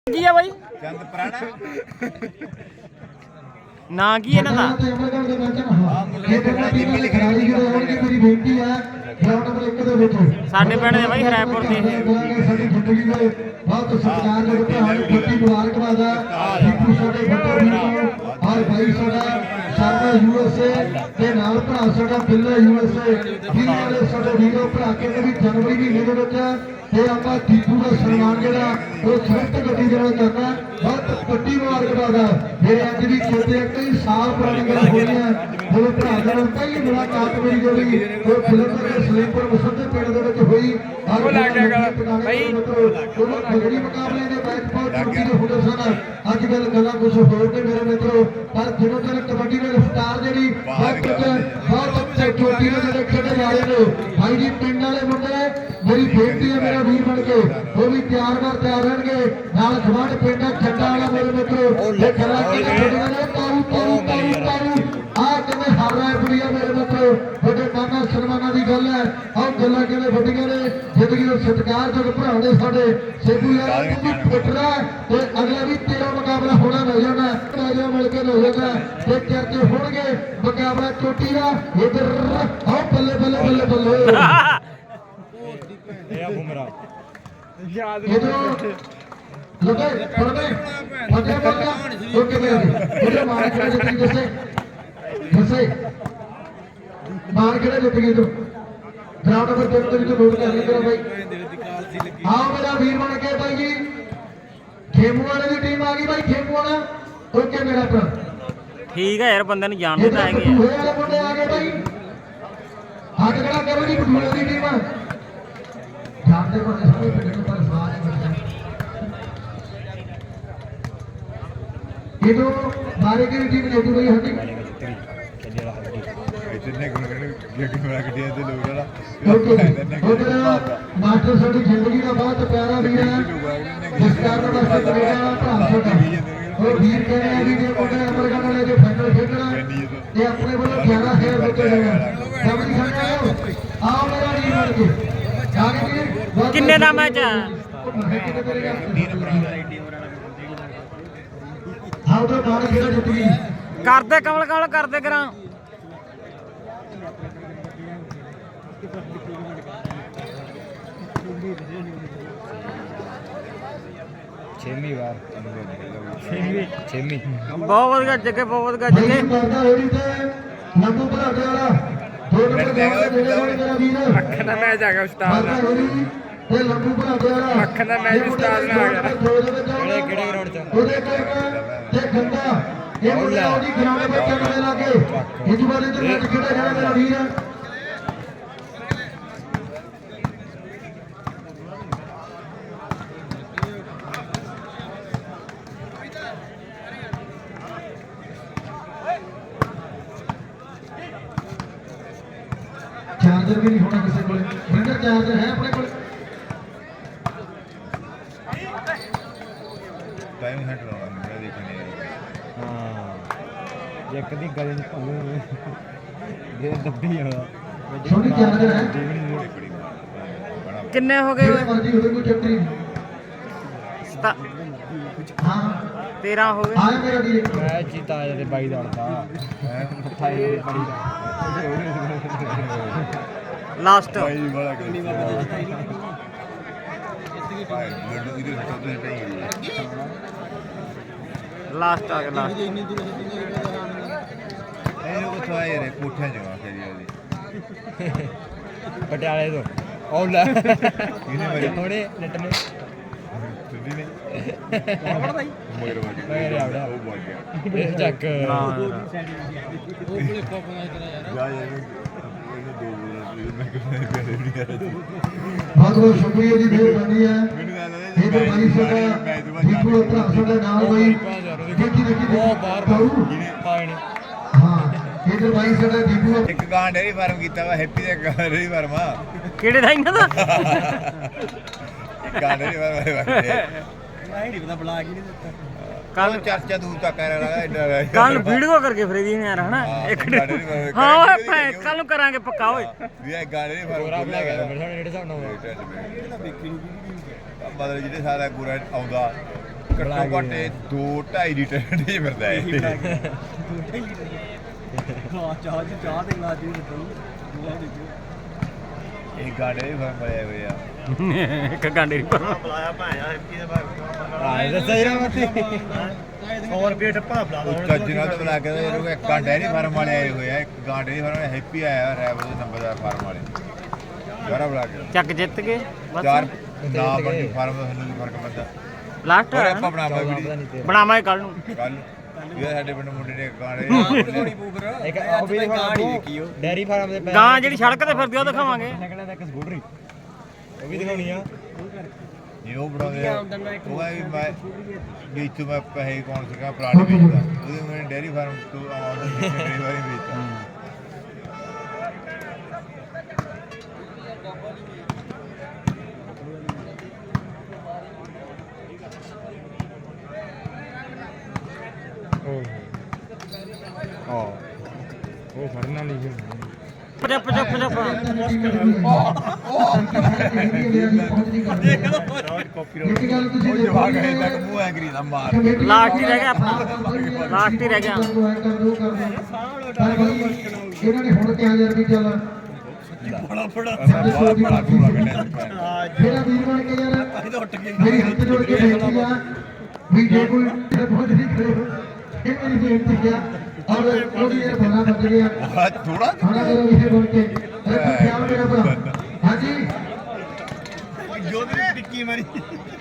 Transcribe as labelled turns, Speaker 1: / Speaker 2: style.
Speaker 1: ਕੀ ਆ ਬਾਈ
Speaker 2: ਚੰਦ ਪੁਰਾਣਾ
Speaker 1: ਨਾਂ ਕੀ ਇਹਨਾਂ ਦਾ
Speaker 3: ਮੇਰੀ ਬੇਨਤੀ ਹੈ ਗਰਾਊਂਡ ਨੰਬਰ 1 ਦੇ ਵਿੱਚ
Speaker 1: ਸਾਡੇ ਪਿੰਡ ਦੇ ਬਾਈ ਹਰਾਇਪੁਰ ਦੇ ਇਹ
Speaker 3: ਸਾਡੀ ਜ਼ਿੰਦਗੀ ਦੇ ਬਹੁਤ ਸਤਿਕਾਰਯੋਗ ਭਰਾ ਨੂੰ ਖੁੱਤੀ ਮੁਬਾਰਕਬਾਦ ਹੈ ਦੀਪੂ ਸਾਡੇ ਵੱਡੇ ਵੀਰ ਨੂੰ ਔਰ ਭਾਈ ਸਾਡਾ ਸ਼ਰਮਾ ਯੂਐਸਏ ਦੇ ਨਾਲ ਭਰਾ ਸਾਡਾ ਬਿੱਲਾ ਯੂਐਸਏ ਵੀਰ ਵਾਲੇ ਸਾਡੇ ਵੀਰੋ ਭਰਾ ਕਹਿੰਦੇ ਵੀ ਜਨਵਰੀ ਮਹੀਨੇ ਦੇ ਵਿੱਚ ਤੇ ਆਪਾਂ ਦੀਪੂ ਦਾ ਸਨਮਾਨ ਜਿਹੜਾ ਉਹ ਸਵਿਫਟ ਗੱਡੀ ਜਿਹੜਾ ਕਰਨਾ ਬਹੁਤ ਵੱਡੀ ਮੁਬਾਰਕਬਾਦ ਹੈ ਮੇਰੇ ਅੱਜ ਵੀ ਚੇਤੇ ਕਈ ਸਾਲ ਪੁਰਾਣੀ ਗੱਲ ਹੋਈ ਹੈ ਮੇਰੇ ਭਰਾ ਨਾਲ ਪਹਿਲੀ ਮੁਲਾਕਾਤ ਮੇਰੀ ਜਿਹੜੀ ਉਹ ਫਿਲਮ ਦੇ ਸਲੀਪਰ ਮੁਸੱਦੇ ਪਿੰਡ ਦੇ ਵਿੱਚ ਹੋਈ
Speaker 1: ਉਹ ਲੱਗ ਗਿਆ ਗੱਲ ਭਾਈ
Speaker 3: ਉਹ ਖੇਡੀ ਮੁਕਾਬਲੇ ਦੇ ਮੈਚ ਬਹੁਤ ਚੁੱਕੀ ਦੇ ਹੁੰਦੇ ਸਨ ਅੱਜ ਕੱਲ ਗੱਲਾਂ ਕੁਝ ਹੋਰ ਨੇ ਮੇਰੇ ਮਿੱਤਰੋ ਪਰ ਦਿਨੋਂ ਦਿਨ ਕਬੱਡੀ ਦੇ ਰਫਤਾਰ ਜਿਹੜੀ ਬਹੁਤ ਅੱਛੇ ਚੋਟੀ ਦੇ ਜਿਹੜੇ ਖੇਡੇ ਜਾ ਰਹੇ ਨੇ ਭਾਈ ਜੀ ਪਿੰਡ ਵਾਲੇ ਮੁੰਡੇ ਮੇਰੀ ਬੇਨਤੀ ਹੈ ਮੇਰਾ ਵੀਰ ਬਣ ਕੇ ਉਹ ਵੀ ਤਿਆਰ ਰਹਿਣਗੇ ਨਾਲ ਖਵਾੜ ਪਿੰਡ ਚੱਡਾ ਵਾਲਾ ਮੇਰੇ ਮਿੱਤਰੋ ਇਹ ਖਰਾ ਕੇ ਖੇਡੀਆਂ ਨੇ ਤਾਰੂ ਆ ਕਿਵੇਂ ਹਾਰ ਰਿਹਾ ਕੁੜੀਆਂ ਮੇਰੇ ਮਿੱਤਰੋ ਵੱਡੇ ਮਾਨਾ ਸਨਮਾਨਾਂ ਦੀ ਗੱਲ ਹੈ ਆਹ ਗੱਲਾਂ ਕਿਵੇਂ ਵੱਡੀਆਂ ਨੇ ਜ਼ਿੰਦਗੀ ਦਾ ਸਤਿਕਾਰਯੋਗ ਭਰਾ ਨੇ ਸਾਡੇ ਸੇਬੂ ਯਾਰ ਵੀ ਫੁੱਟਣਾ ਤੇ ਅਗਲਾ ਵੀ ਤੇਰਾ ਮੁਕਾਬਲਾ ਹੋਣਾ ਮਿਲ ਜਾਣਾ ਮਿਲ ਕੇ ਹੋ ਜਾਣਾ ਤੇ ਚਰਚੇ ਹੋਣਗੇ ਮੁਕਾਬਲਾ ਚੋਟੀ ਦਾ ਇਧਰ ਆਹ ਬੱਲੇ ਬੱਲੇ ਬੱਲੇ ਬੱਲੇ
Speaker 2: ਇਹ ਆ ਬੁਮਰਾ
Speaker 3: ਇਧਰੋਂ ਲੋਕੇ ਪੜਦੇ ਫੱਟੇ ਬੋਲਿਆ ਓਕੇ ਮੇਰੇ ਮਾਰ ਕੇ ਜਿੱਤੀ ਦੱਸੇ ਮਾਰ ਕੇ ਜਿੱਤ ਗਈ ਤੂੰ ਗਰਾਊਂਡ ਨੰਬਰ 3 ਦੇ ਵਿੱਚ ਨੋਟ ਕਰ ਲਿਆ ਬਾਈ ਆਓ ਮੇਰਾ ਵੀਰ ਬਣ ਕੇ ਬਾਈ ਜੀ ਖੇਮੂ ਵਾਲੇ ਦੀ ਟੀਮ ਆ ਗਈ ਬਾਈ ਖੇਮੂ ਵਾਲਾ ਓਕੇ ਮੇਰਾ ਭਰਾ
Speaker 1: ਠੀਕ ਹੈ ਯਾਰ ਬੰਦੇ ਨੂੰ ਜਾਣਦੇ ਤਾਂ ਹੈਗੇ ਆ
Speaker 3: ਹੋਏ ਵਾਲੇ ਮੁੰਡੇ ਆ ਗਏ ਬਾਈ ਹੱਥ ਖੜਾ ਕਰੋ ਜੀ ਬਟੂਲੇ ਦੀ ਟੀਮ ਜਾਣਦੇ ਬੰਦੇ ਸਾਰੇ ਪਿੰਡ ਨੂੰ ਪਰ ਸਾਰੇ ਇਹ ਤੋਂ ਮਾਰੇ ਕੀ ਟੀਮ ਲੈ ਗਈ ਹੱਡੀ
Speaker 2: ਜਿੰਨੇ ਗੁਣ ਗੱਡੀ ਬਣਾ ਗੱਡੀਆਂ ਦੇ ਲੋਕ ਜਿਹੜਾ
Speaker 3: ਮਾਸਟਰ ਸਾਡੀ ਜ਼ਿੰਦਗੀ ਦਾ ਬਹੁਤ ਪਿਆਰਾ ਵੀਰ ਹੈ ਜਿਸ ਕਾਰਨ ਵਾਸਤੇ ਕੈਨੇਡਾ ਭਰਾ ਸਾਡਾ ਉਹ ਵੀਰ ਕਹਿੰਦੇ ਆ ਵੀ ਜੇ ਮੁੰਡੇ ਅਮਰਗੜ ਵਾਲੇ ਜੋ ਫਾਈਨਲ ਖੇਡਣਾ ਤੇ ਆਪਣੇ ਵੱਲੋਂ 11000 ਦਿੱਤੇ ਜਾਣਾ ਸਮਝ ਸਕਦੇ ਹੋ ਆਓ ਮੇਰਾ ਵੀਰ ਬਣ ਕੇ
Speaker 1: ਕਿੰਨੇ ਦਾ ਮੈਚ ਆ
Speaker 3: ਆਓ ਤਾਂ ਬਾਹਰ ਖੇਡ ਜਿੱਤ ਗਈ
Speaker 1: ਕਰਦੇ ਕਮਲ ਕਮਲ ਕਰਦੇ ਕਰਾਂ
Speaker 2: ਛੇਵੀਂ ਵਾਰ
Speaker 1: ਬਹੁਤ ਵਧੀਆ ਜੱਗੇ ਬਹੁਤ ਵਧੀਆ ਜੱਗੇ
Speaker 3: ਨੰਬੂ ਭਰਾਟੇ ਵਾਲਾ 2 ਨੰਬਰ ਦੇ ਜਿਹੜੇ ਮੇਰਾ ਵੀਰ
Speaker 1: ਅੱਖ ਦਾ ਮੈਚ ਆ ਗਿਆ ਉਸਤਾਦ ਦਾ
Speaker 3: ਤੇ ਲੰਬੂ ਭਰਾਟੇ ਵਾਲਾ
Speaker 1: ਅੱਖ ਦਾ ਮੈਚ ਉਸਤਾਦ ਨਾਲ ਆ ਗਿਆ
Speaker 2: ਕਿਹੜੇ ਗਰਾਊਂਡ ਚ
Speaker 3: ਉਹਦੇ ਤੇ ਗੰਦਾ ਇਹ ਮੁੰਡਾ ਉਹਦੀ ਗਰਾਊਂਡ ਵਿੱਚ ਚੱਲਣ ਲੱਗੇ ਇਸ ਵਾਲੇ ਤੇ ਮੈਚ ਖੇਡਿਆ ਜਿਹੜਾ ਮੇਰਾ ਵੀਰ ਚਾਰਜਰ ਵੀ ਨਹੀਂ ਹੋਣਾ ਕਿਸੇ ਕੋਲੇ ਬ੍ਰਿੰਡਰ ਚਾਰਜਰ ਹੈ ਆਪਣੇ ਕੋਲ
Speaker 2: ਟਾਈਮ ਹੈਂਡ ਲਾਉਣਾ ਮੈਂ ਦੇਖਣੇ
Speaker 4: ਹਾਂ ਇੱਕ ਦੀ ਗੱਲ ਨਹੀਂ ਭਾਵੇਂ ਜੇ ਦੱਬੀ ਆਉਂਦਾ
Speaker 3: ਛੋਟੀ ਚਾਰਜਰ ਹੈ
Speaker 1: ਕਿੰਨੇ ਹੋ ਗਏ ਓਏ
Speaker 3: ਮਰਜ਼ੀ ਹੋਵੇ ਕੋਈ ਚੱਕਰ ਨਹੀਂ ਹਾਂ
Speaker 1: 13 ਹੋ ਗਏ
Speaker 3: ਆਇਆ ਮੇਰਾ ਵੀਰ
Speaker 4: ਮੈਂ ਚੀਤਾ ਦੇ ਬਾਈ ਦਾ ਲੜਦਾ ਥਾਈ ਬੜੀ ਦਾ
Speaker 1: ਲਾਸਟ
Speaker 2: ਭਾਈ ਬੜਾ ਕਿੰਨੀ ਵਾਰ ਭਾਈ ਲੱਡੂ ਇਹਦੇ ਹੱਥੋਂ ਤੋਂ ਟਾਈ
Speaker 1: ਲਾਸਟ ਆ ਗਿਆ ਲਾਸਟ
Speaker 2: ਇਹਨੂੰ ਕੋ ਥਾਈ ਰੇ ਕੋਠਿਆਂ ਜਗਾ ਕਰੀ ਉਹਦੀ
Speaker 4: ਪਟਿਆਲੇ ਤੋਂ ਉਹ ਲੈ
Speaker 2: ਇਹਨੇ ਮਾਰੀ
Speaker 4: ਥੋੜੇ ਨੱਟ ਨੇ
Speaker 2: ਸੁਣੀ ਨੇ ਮਗਰ ਵਾਜ
Speaker 4: ਮਗਰ ਆਵੜਾ
Speaker 2: ਉਹ ਬੋਲ ਗਿਆ
Speaker 4: ਇਹ ਚੱਕ
Speaker 2: ਜਾ ਇਹਨੂੰ ਦੋ ਮੈਂ ਕਹਿੰਦਾ ਪਿਆਰੇ ਨਹੀਂ ਕਰ
Speaker 3: ਬਹੁਤ ਬਹੁਤ ਸ਼ੁਕਰੀਆ ਜੀ ਮਿਹਰਬਾਨੀ ਹੈ
Speaker 2: ਮੈਨੂੰ ਕਹਿੰਦਾ
Speaker 3: ਇਹ ਤਾਂ ਬਾਈ ਸਾਡਾ ਦੀਪੂ ਭਰਾ ਸਾਡਾ ਨਾਮ ਬਾਈ ਦੇਖੀ
Speaker 4: ਉਹ ਬਾਹਰ ਪਾਣੀ
Speaker 3: ਹਾਂ ਇਹ ਤਾਂ ਬਾਈ ਸਾਡਾ ਦੀਪੂ
Speaker 2: ਇੱਕ ਗਾਂ ਡੇਰੀ ਫਾਰਮ ਕੀਤਾ ਵਾ ਹੈਪੀ ਦਾ ਡੇਰੀ ਫਾਰਮ ਆ
Speaker 1: ਕਿਹੜੇ ਦਾ ਇਹਨਾਂ ਦਾ
Speaker 2: ਇੱਕ ਗਾਂ ਡੇਰੀ ਫਾਰਮ
Speaker 4: ਨਹੀਂ ਪਤਾ ਬਲਾਕ ਹੀ ਨਹੀਂ ਦਿੱਤਾ
Speaker 2: ਕੱਲ ਚਰਚਾ ਦੂਰ ਤੱਕ ਕਰ ਰਿਹਾ
Speaker 1: ਕੱਲ ਵੀਡੀਓ ਕਰਕੇ ਫਰੇ ਦੀ ਨੇ ਯਾਰ ਹਨਾ ਇੱਕ ਹਾਂ ਓਏ ਕੱਲ ਨੂੰ ਕਰਾਂਗੇ ਪੱਕਾ ਓਏ
Speaker 2: ਵੀ ਇਹ ਗਾਂ ਡੇਰੀ ਫਾਰਮ
Speaker 4: ਪੂਰਾ ਬਣਾ ਗਿਆ ਮੇਰੇ ਸਾਹਮਣੇ ਜਿਹੜੇ ਹਿਸਾਬ ਨਾਲ
Speaker 2: ਮਤਲਬ ਜਿਹੜੇ ਸਾਰਾ ਪੂਰਾ ਆਉਂਦਾ ਘੱਟੋ ਘੱਟ 2-2.5 ਲੀਟਰ ਢੇ ਫਿਰਦਾ ਹੈ ਇਹ ਗਾੜੇ ਵੀ ਫਰਮ ਬੜੇ ਹੋਏ ਆ
Speaker 1: ਇੱਕ ਗਾਂਡੇ ਦੀ ਪਰ
Speaker 4: ਦੱਸਿਆ ਜਰਾ ਮੱਤੀ
Speaker 2: ਚੱਜਣਾ ਤਾਂ ਬੁਲਾ ਕੇ ਇਹਨੂੰ ਇੱਕ ਗਾਂਡੇ ਨਹੀਂ ਫਾਰਮ ਵਾਲੇ ਆਏ ਹੋਏ ਆ ਇੱਕ ਗਾਂਡੇ ਦੀ ਫਾਰਮ ਹੈਪੀ ਆਇਆ ਰੈਵਲ ਦੇ ਨੰਬਰਦਾਰ ਫਾਰਮ ਵਾਲੇ ਯਾਰਾ ਬੁਲਾ ਕੇ
Speaker 1: ਚੱਕ ਜਿੱਤ ਗਏ ਬਸ
Speaker 2: ਚਾਰ ਨਾ ਬੰਦੀ ਫਾਰਮ ਦਾ ਸਾਨੂੰ ਕੀ ਫਰਕ ਪੈਂਦਾ
Speaker 1: ਲਾਸਟ
Speaker 2: ਹੋਰ ਆਪਾਂ ਬਣਾਵਾਂਗੇ
Speaker 1: ਬਣਾਵਾਂਗੇ ਕੱਲ ਨੂੰ
Speaker 2: ਕੱਲ ਇਹ ਸਾਡੇ ਪਿੰਡ ਮੁੰਡੇ ਨੇ ਗਾਂਡੇ
Speaker 4: ਇੱਕ ਉਹ ਵੀ ਦੇਖਿਓ ਡੈਰੀ ਫਾਰਮ ਦੇ ਪੈਰ
Speaker 1: ਗਾਂ ਜਿਹੜੀ ਸੜਕ ਤੇ ਫਿਰਦੀ ਉਹ ਦਿਖਾਵਾਂਗੇ
Speaker 4: ਨਿਕਲਿਆ ਤਾਂ ਇੱਕ ਸਕੂਟਰੀ ਉਹ ਵੀ ਦਿਖਾਉਣੀ ਆ
Speaker 2: ਇਹ ਉਹ ਬਣਾਉਂਦੇ ਆ ਉਹ ਆ ਵੀ ਮੈਂ ਵੀ ਇੱਥੋਂ ਮੈਂ ਪੈਸੇ ਕੌਣ ਸੀਗਾ ਪਲਾਟ ਵੇਚਦਾ ਉਹਦੇ ਮੈਂ ਡੇਅਰੀ ਫਾਰਮ ਤੋਂ ਆਉਂਦਾ ਡੇਅਰੀ ਵਾਲੀ ਵੇਚਦਾ
Speaker 4: ਉਹ ਫੜਨਾ ਨਹੀਂ
Speaker 1: ਪਜਾ ਪਜਾ ਪਜਾ
Speaker 3: ਇੱਕ ਗੱਲ ਤੁਸੀਂ ਦੇਖੋ
Speaker 2: ਭਾਗ ਹੈ ਤੱਕ ਮੂੰਹ ਐਗਰੀ ਦਾ ਮਾਰ
Speaker 1: ਲਾਸਟ ਹੀ ਰਹਿ ਗਿਆ ਆਪਣਾ ਲਾਸਟ ਹੀ ਰਹਿ ਗਿਆ
Speaker 3: ਇਹਨਾਂ ਨੇ ਹੁਣ ਕਿਹਾ ਯਾਰ ਵੀ ਚੱਲ
Speaker 2: ਬੜਾ ਬੜਾ ਗੋਲਾ ਕੱਢਿਆ
Speaker 3: ਮੇਰਾ ਵੀਰ ਬਣ ਕੇ ਯਾਰ ਮੇਰੀ ਹੱਥ ਜੋੜ ਕੇ ਬੇਨਤੀ ਆ ਵੀ ਜੇ ਕੋਈ ਬਹੁਤ ਨਹੀਂ ਕਰੇ ਇਹ ਮੇਰੀ ਬੇਨਤੀ ਆ ਔਰ ਉਹਦੀ ਇਹ ਬਣਾ ਬਚ ਗਿਆ
Speaker 2: ਥੋੜਾ
Speaker 3: ਖਾਣਾ ਮੇਰਾ ਵਿਸ਼ੇ ਬਣ ਕੇ ਖਿਆਲ ਮੇਰਾ ਭਰਾ ਹਾਂਜੀ
Speaker 4: ਜੋ ਵੀ ਟਿੱਕੀ ਮਾਰੀ